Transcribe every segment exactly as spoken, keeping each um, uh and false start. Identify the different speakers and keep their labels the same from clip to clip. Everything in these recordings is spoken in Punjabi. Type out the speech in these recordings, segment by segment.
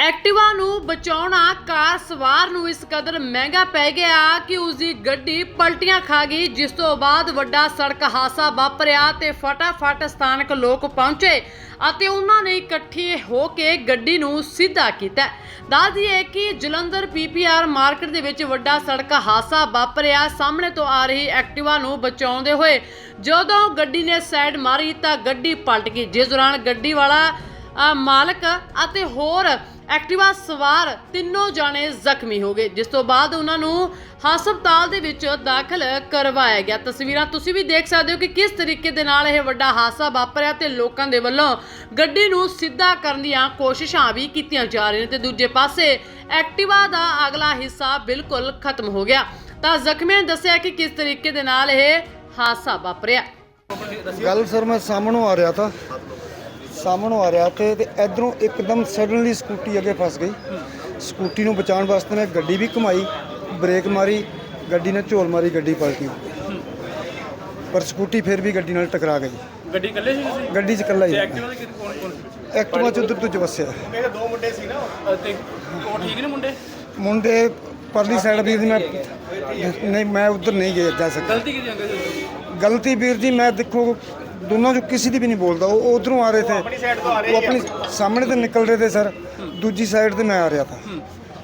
Speaker 1: ਐਕਟਿਵਾ ਨੂੰ ਬਚਾਉਣਾ ਕਾਰ ਸਵਾਰ ਨੂੰ ਇਸ ਕਦਰ ਮਹਿੰਗਾ ਪੈ ਗਿਆ ਕਿ ਉਸ ਦੀ ਗੱਡੀ ਪਲਟੀਆਂ ਖਾ ਗਈ, ਜਿਸ ਤੋਂ ਬਾਅਦ ਵੱਡਾ ਸੜਕ ਹਾਦਸਾ ਵਾਪਰਿਆ ਤੇ ਫਟਾਫਟ ਸਥਾਨਕ ਲੋਕ ਪਹੁੰਚੇ ਅਤੇ ਉਹਨਾਂ ਨੇ ਇਕੱਠੇ ਹੋ ਕੇ ਗੱਡੀ ਨੂੰ ਸਿੱਧਾ ਕੀਤਾ। ਦੱਸ ਦਈਏ ਕਿ ਜਲੰਧਰ ਪੀਪੀਆਰ ਮਾਰਕੀਟ ਦੇ ਵਿੱਚ ਵੱਡਾ ਸੜਕ ਹਾਦਸਾ ਵਾਪਰਿਆ। ਸਾਹਮਣੇ ਤੋਂ ਆ ਰਹੀ ਐਕਟਿਵਾ ਨੂੰ ਬਚਾਉਂਦੇ ਹੋਏ ਜਦੋਂ ਗੱਡੀ ਨੇ ਸਾਈਡ ਮਾਰੀ ਤਾਂ ਗੱਡੀ ਪਲਟ ਗਈ, ਜਿਸ ਦੌਰਾਨ ਗੱਡੀ ਵਾਲਾ ਮਾਲਕ ਅਤੇ ਹੋਰ ਐਕਟਿਵਾ ਸਵਾਰ ਤਿੰਨੋਂ ਜਾਣੇ ਜ਼ਖਮੀ ਹੋ ਗਏ, ਜਿਸ ਤੋਂ ਬਾਅਦ ਉਹਨਾਂ ਨੂੰ ਹਸਪਤਾਲ ਦੇ ਵਿੱਚ ਦਾਖਲ ਕਰਵਾਇਆ ਗਿਆ। ਤਸਵੀਰਾਂ ਤੁਸੀਂ ਵੀ ਦੇਖ ਸਕਦੇ ਹੋ ਕਿ ਕਿਸ ਤਰੀਕੇ ਦੇ ਨਾਲ ਇਹ ਵੱਡਾ ਹਾਦਸਾ ਵਾਪਰਿਆ ਤੇ ਲੋਕਾਂ ਦੇ ਵੱਲੋਂ ਗੱਡੀ ਨੂੰ ਸਿੱਧਾ ਕਰਨ ਦੀਆਂ ਕੋਸ਼ਿਸ਼ਾਂ ਵੀ ਕੀਤੀਆਂ ਜਾ ਰਹੀਆਂ ਨੇ ਤੇ ਦੂਜੇ ਪਾਸੇ ਐਕਟਿਵਾ ਦਾ ਅਗਲਾ ਹਿੱਸਾ ਬਿਲਕੁਲ ਖਤਮ ਹੋ ਗਿਆ। ਤਾਂ ਜ਼ਖਮੀਆਂ ਨੇ ਦੱਸਿਆ ਕਿ ਕਿਸ ਤਰੀਕੇ ਦੇ ਨਾਲ ਇਹ ਹਾਦਸਾ ਵਾਪਰਿਆ।
Speaker 2: ਗੱਲ ਸਰ ਮੈਂ ਸਾਹਮਣੋਂ ਆ ਰਿਹਾ था ਸਾਹਮਣੋਂ ਆ ਰਿਹਾ ਤੇ ਤੇ ਇਧਰੋਂ ਇੱਕਦਮ ਸਡਨਲੀ ਸਕੂਟੀ ਅੱਗੇ ਫਸ ਗਈ। ਸਕੂਟੀ ਨੂੰ ਬਚਾਉਣ ਵਾਸਤੇ ਮੈਂ ਗੱਡੀ ਵੀ ਘੁਮਾਈ, ਬ੍ਰੇਕ ਮਾਰੀ, ਗੱਡੀ ਨੇ ਝੋਲ ਮਾਰੀ, ਗੱਡੀ ਪਲਟੀ ਪਰ ਸਕੂਟੀ ਫਿਰ ਵੀ ਗੱਡੀ ਨਾਲ ਟਕਰਾ ਗਈ।
Speaker 3: ਗੱਡੀ ਇਕੱਲੇ ਸੀ ਤੁਸੀਂ?
Speaker 2: ਗੱਡੀ 'ਚ ਇਕੱਲਾ ਹੀ।
Speaker 3: ਐਕਟਿਵਾ ਦੇ ਕੌਣ ਕੌਣ ਸੀ?
Speaker 2: ਐਕਟਿਵਾ 'ਚ ਉੱਧਰ ਤੋਂ ਚ ਵਸਿਆ
Speaker 3: ਮੇਰੇ ਦੋ ਮੁੰਡੇ ਸੀ ਨਾ ਤੇ ਉਹ ਠੀਕ ਨੇ ਮੁੰਡੇ?
Speaker 2: ਮੁੰਡੇ ਪਰਲੀ ਸਾਈਡ ਵੀਰ ਜੀ, ਮੈਂ ਨਹੀਂ ਮੈਂ ਉੱਧਰ ਨਹੀਂ ਗਿਆ ਜਾ ਸਕਦਾ।
Speaker 3: ਗਲਤੀ ਕਿਹਦੀ ਅੰਕਲ?
Speaker 2: ਗਲਤੀ ਵੀਰ ਜੀ ਮੈਂ ਦੇਖੋ ਦੋनों जो किसी की भी नहीं बोलता, वो उधरों आ रहे थे, वो अपनी सामने तो निकल रहे थे सर, दूजी साइड से मैं आ रहा था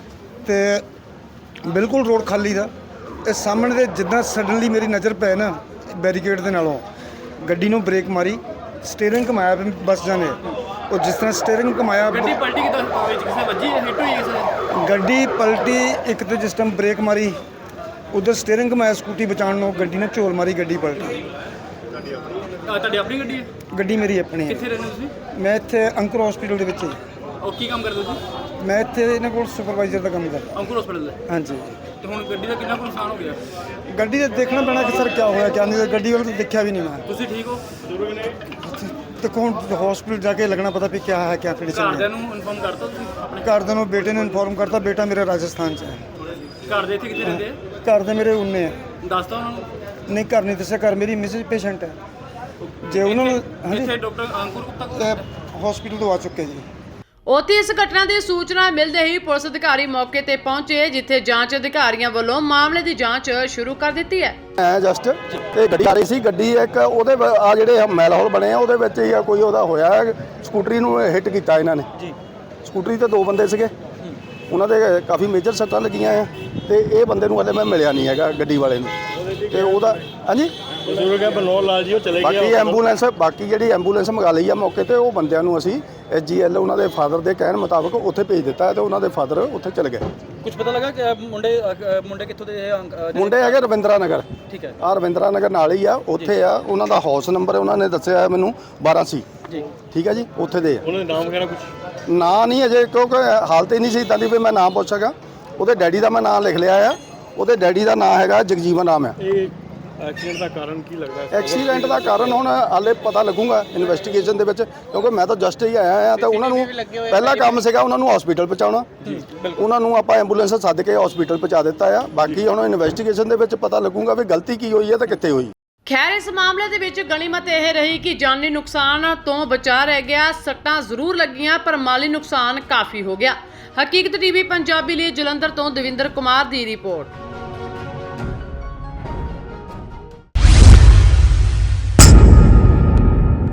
Speaker 2: तो बिल्कुल रोड खाली था। ਇਹ ਸਾਹਮਣੇ ਦੇ ਜਿੱਦਾਂ ਸਡਨਲੀ ਮੇਰੀ ਨਜ਼ਰ ਪੈ ਨਾ ਬੈਰੀਕੇਡ ਦੇ ਨਾਲੋਂ ਗੱਡੀ ਨੂੰ ਬ੍ਰੇਕ ਮਾਰੀ, ਸਟੀਅਰਿੰਗ ਘੁਮਾਇਆ ਬਸ ਜਾਣੇ ਉਹ ਜਿਸ ਤਰ੍ਹਾਂ ਸਟੀਅਰਿੰਗ ਘੁਮਾਇਆ
Speaker 3: ਗੱਡੀ ਪਲਟੀ ਕਿਦਾਂ ਵਿੱਚ ਕਿਸੇ ਵੱਜੀ ਹੈ? ਹਿੱਟ ਹੋਈ ਕਿਸੇ ਨੇ?
Speaker 2: ਗੱਡੀ ਪਲਟੀ ਇੱਕ ਤੇ ਜਿਸ ਟਾਈਮ ਬ੍ਰੇਕ ਮਾਰੀ ਉਧਰ ਸਟੀਅਰਿੰਗ ਘੁਮਾਇਆ ਸਕੂਟੀ ਬਚਾਉਣ ਨੂੰ, ਗੱਡੀ ਨੇ ਝੋਲ ਮਾਰੀ, ਗੱਡੀ ਪਲਟੀ।
Speaker 3: ਤੁਹਾਡੀ ਆਪਣੀ ਗੱਡੀ ਹੈ?
Speaker 2: ਗੱਡੀ ਮੇਰੀ ਆਪਣੀ ਹੈ।
Speaker 3: ਕਿੱਥੇ ਰਹਿੰਦੇ ਤੁਸੀਂ?
Speaker 2: ਮੈਂ ਇੱਥੇ ਅੰਕੁਰ ਹਸਪੀਟਲ ਦੇ ਵਿੱਚ ਹੀ।
Speaker 3: ਉਹ ਕੀ ਕੰਮ ਕਰਦੇ ਤੁਸੀਂ?
Speaker 2: ਮੈਂ ਇੱਥੇ ਇਹਨਾਂ ਕੋਲ ਸੁਪਰਵਾਈਜ਼ਰ ਦਾ ਕੰਮ ਕਰਦਾ।
Speaker 3: ਅੰਕੁਰ ਹਸਪੀਟਲ ਦੇ?
Speaker 2: ਹਾਂਜੀ।
Speaker 3: ਤੇ ਹੁਣ ਗੱਡੀ ਦਾ ਕਿੰਨਾ ਕੁ ਨੁਕਸਾਨ ਹੋ ਗਿਆ?
Speaker 2: ਗੱਡੀ ਦਾ ਦੇਖਣਾ ਪੈਣਾ ਕਿ ਸਰ ਕੀ ਹੋਇਆ ਕਿਆ ਨਹੀਂ, ਗੱਡੀ ਵੱਲ ਤਾਂ ਦੇਖਿਆ ਵੀ ਨਹੀਂ ਮੈਂ।
Speaker 3: ਤੁਸੀਂ ਠੀਕ ਹੋ?
Speaker 2: ਤੇ ਕੌਣ ਹਸਪੀਟਲ ਜਾ ਕੇ ਲੱਗਣਾ ਪਤਾ ਵੀ ਕੀ ਹੈ ਕਿਆ ਕੰਡੀਸ਼ਨ
Speaker 3: ਘਰਦਿਆਂ
Speaker 2: ਹੈ।
Speaker 3: ਨੂੰ ਇਨਫੋਰਮ ਕਰਤਾ ਤੁਸੀਂ ਆਪਣੇ?
Speaker 2: ਘਰਦਿਆਂ ਨੂੰ ਬੇਟੇ ਨੂੰ ਇਨਫੋਰਮ ਕਰਤਾ, ਬੇਟਾ ਮੇਰਾ ਰਾਜਸਥਾਨ 'ਚ ਹੈ।
Speaker 3: ਘਰ ਦੇ ਇੱਥੇ ਕਿੱਥੇ ਰਹਿੰਦੇ ਆ?
Speaker 2: ਘਰ ਦੇ ਮੇਰੇ ਉਨੇ ਹੈ।
Speaker 3: ਦੱਸਤਾ ਉਹਨਾਂ ਨੂੰ?
Speaker 2: ਨਹੀਂ ਘਰ ਨਹੀਂ ਦੱਸਿਆ, ਘਰ ਮੇਰੀ ਮਿਸਿਸ ਪੇਸ਼ੈਂਟ ਹੈ। ਜੇ ਉਹਨਾਂ ਨੂੰ
Speaker 3: ਇੱਥੇ ਡਾਕਟਰ ਅੰਕੁਰ ਗੁਪਤਾ ਕੋਲ
Speaker 2: ਹਸਪੀਟਲ ਤੋਂ ਆ ਚੁੱਕੇ ਜੀ।
Speaker 1: ਉੱਥੇ ਇਸ ਘਟਨਾ ਦੀ ਸੂਚਨਾ ਮਿਲਦੇ ਹੀ ਪੁਲਿਸ ਅਧਿਕਾਰੀ ਮੌਕੇ ਤੇ ਪਹੁੰਚੇ, ਜਿੱਥੇ ਜਾਂਚ ਅਧਿਕਾਰੀਆਂ ਵੱਲੋਂ ਮਾਮਲੇ ਦੀ ਜਾਂਚ ਸ਼ੁਰੂ ਕਰ ਦਿੱਤੀ ਹੈ।
Speaker 4: ਐ ਜਸਟ ਤੇ ਗੱਡੀ ਆ ਰਹੀ ਸੀ, ਗੱਡੀ ਇੱਕ ਉਹਦੇ ਆ ਜਿਹੜੇ ਮੈਲ ਹੌਲ ਬਣੇ ਆ ਉਹਦੇ ਵਿੱਚ ਹੀ ਆ ਕੋਈ ਉਹਦਾ ਹੋਇਆ, ਸਕੂਟਰੀ ਨੂੰ ਹਿੱਟ ਕੀਤਾ ਇਹਨਾਂ ਨੇ ਜੀ। ਸਕੂਟਰੀ ਤੇ ਦੋ ਬੰਦੇ ਸੀਗੇ, ਉਹਨਾਂ ਦੇ ਕਾਫੀ ਮੇਜਰ ਸੱਟਾਂ ਲੱਗੀਆਂ ਆ ਤੇ ਇਹ ਬੰਦੇ ਨੂੰ ਹਲੇ ਮੈਂ ਮਿਲਿਆ ਨਹੀਂ ਹੈਗਾ ਗੱਡੀ ਵਾਲੇ ਨੂੰ ਤੇ ਉਹਦਾ ਹਾਂਜੀ
Speaker 3: ਬਜ਼ੁਰਗ ਹੈ ਬਨੋਲ ਲਾਲ ਜੀ, ਉਹ ਚਲੇ ਗਏ।
Speaker 4: ਬਾਕੀ ਐਂਬੂਲੈਂਸ ਬਾਕੀ ਜਿਹੜੀ ਐਂਬੂਲੈਂਸ ਮੰਗਾ ਲਈ ਆ ਮੌਕੇ ਤੇ, ਉਹ ਬੰਦਿਆਂ ਨੂੰ ਅਸੀਂ ਐਸ ਜੀ ਐਲ ਉਹਨਾਂ ਦੇ ਫਾਦਰ ਦੇ ਕਹਿਣ ਮੁਤਾਬਕ ਉੱਥੇ ਭੇਜ ਦਿੱਤਾ ਹੈ ਤੇ ਉਹਨਾਂ ਦੇ ਫਾਦਰ ਉੱਥੇ ਚਲੇ ਗਏ।
Speaker 3: ਕੁਝ ਪਤਾ ਲੱਗਾ ਕਿ ਮੁੰਡੇ ਮੁੰਡੇ ਕਿੱਥੋਂ ਦੇ?
Speaker 4: ਮੁੰਡੇ ਹੈਗੇ ਰਵਿੰਦਰਾ ਨਗਰ।
Speaker 3: ਠੀਕ ਹੈ।
Speaker 4: ਆ ਰਵਿੰਦਰਾ ਨਗਰ ਨਾਲ ਹੀ ਆ, ਉੱਥੇ ਆ ਉਹਨਾਂ ਦਾ ਹਾਊਸ ਨੰਬਰ ਉਹਨਾਂ ਨੇ ਦੱਸਿਆ ਮੈਨੂੰ ਬਾਰਾਂ ਸੀ
Speaker 3: ਜੀ।
Speaker 4: ਠੀਕ ਹੈ ਜੀ, ਉੱਥੇ ਦੇ ਆ।
Speaker 3: ਉਹਨਾਂ ਦੇ ਨਾਮ ਵਗੈਰਾ ਕੁਝ
Speaker 4: ਨਾਂ ਨਹੀਂ ਅਜੇ, ਕਿਉਂਕਿ ਹਾਲਤ ਹੀ ਨਹੀਂ ਸੀ ਇਦਾਂ ਦੀ ਵੀ ਮੈਂ ਨਾਮ ਪੁੱਛ ਸਕਾਂ। ਉਹਦੇ ਡੈਡੀ ਦਾ ਮੈਂ ਨਾਮ ਲਿਖ ਲਿਆ ਆ, ਉਹਦੇ ਡੈਡੀ ਦਾ ਨਾਮ ਹੈਗਾ ਜਗਜੀਵਨ ਨਾਮ ਆ।
Speaker 3: ਇਹ ਐਕਸੀਡੈਂਟ ਦਾ ਕਾਰਨ ਕੀ ਲੱਗਦਾ?
Speaker 4: ਐਕਸੀਡੈਂਟ ਦਾ ਕਾਰਨ ਹੁਣ ਹਾਲੇ ਪਤਾ ਲੱਗੂਗਾ ਇਨਵੈਸਟੀਗੇਸ਼ਨ ਦੇ ਵਿੱਚ, ਕਿਉਂਕਿ ਮੈਂ ਤਾਂ ਜਸਟ ਹੀ ਆਇਆ ਆ ਤੇ ਉਹਨਾਂ ਨੂੰ ਪਹਿਲਾ ਕੰਮ ਸੀਗਾ ਉਹਨਾਂ ਨੂੰ ਹਸਪੀਟਲ ਪਹੁੰਚਾਉਣਾ। ਉਹਨਾਂ ਨੂੰ ਆਪਾਂ ਐਂਬੂਲੈਂਸ ਸੱਦ ਕੇ ਹਸਪੀਟਲ ਪਹੁੰਚਾ ਦਿੱਤਾ ਆ। ਬਾਕੀ ਹੁਣ ਇਨਵੈਸਟੀਗੇਸ਼ਨ ਦੇ ਵਿੱਚ ਪਤਾ ਲੱਗੂਗਾ ਵੀ ਗਲਤੀ ਕੀ ਹੋਈ ਹੈ ਤੇ ਕਿੱਥੇ ਹੋਈ।
Speaker 1: ਖੈਰ ਇਸ ਮਾਮਲੇ ਦੇ ਵਿੱਚ ਗਣੀਮਤ ਇਹ ਰਹੀ ਕਿ ਜਾਨੀ ਨੁਕਸਾਨ ਤੋਂ ਬਚਾ ਰਹਿ ਗਿਆ। ਸੱਟਾਂ ਜ਼ਰੂਰ ਲੱਗੀਆਂ ਪਰ ਮਾਲੀ ਨੁਕਸਾਨ ਕਾਫੀ ਹੋ ਗਿਆ। ਹਕੀਕਤ ਟੀਵੀ ਪੰਜਾਬੀ ਲਈ ਜਲੰਧਰ ਤੋਂ ਦਵਿੰਦਰ ਕੁਮਾਰ ਦੀ ਰਿਪੋਰਟ।